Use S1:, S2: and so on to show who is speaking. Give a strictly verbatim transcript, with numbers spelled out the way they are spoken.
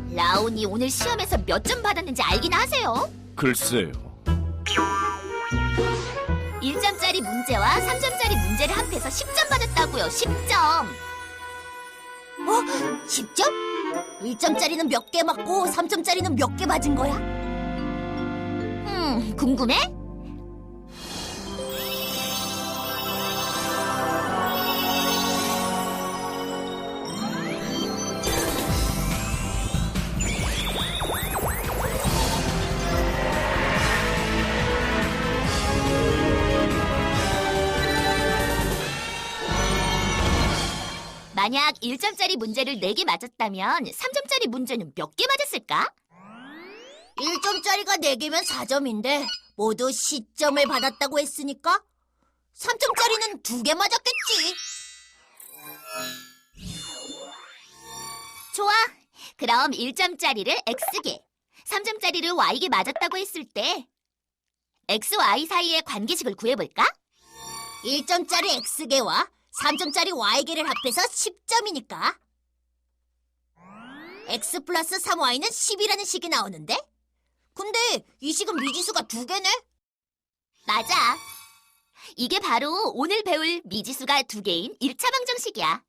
S1: 라온이 오늘 시험에서 몇 점 받았는지 알긴 하세요?
S2: 글쎄요.
S1: 일 점짜리 문제와 삼 점짜리 문제를 합해서 십 점 받았다고요. 십 점. 어? 십 점? 일 점짜리는 몇 개 맞고 삼 점짜리는 몇 개 맞은 거야? 음, 궁금해? 만약 일 점짜리 문제를 네 개 맞았다면 삼 점짜리 문제는 몇 개 맞았을까? 일 점짜리가 네 개면 사 점인데 모두 시점을 받았다고 했으니까 삼 점짜리는 두 개 맞았겠지. 좋아. 그럼 일 점짜리를 X개, 삼 점짜리를 Y개 맞았다고 했을 때 X, Y 사이의 관계식을 구해볼까? 일 점짜리 X개와 삼 점짜리 Y개를 합해서 십 점이니까 X 플러스 삼 와이는 십이라는 식이 나오는데? 근데 이 식은 미지수가 두 개네? 맞아. 이게 바로 오늘 배울 미지수가 두 개인 일 차 방정식이야.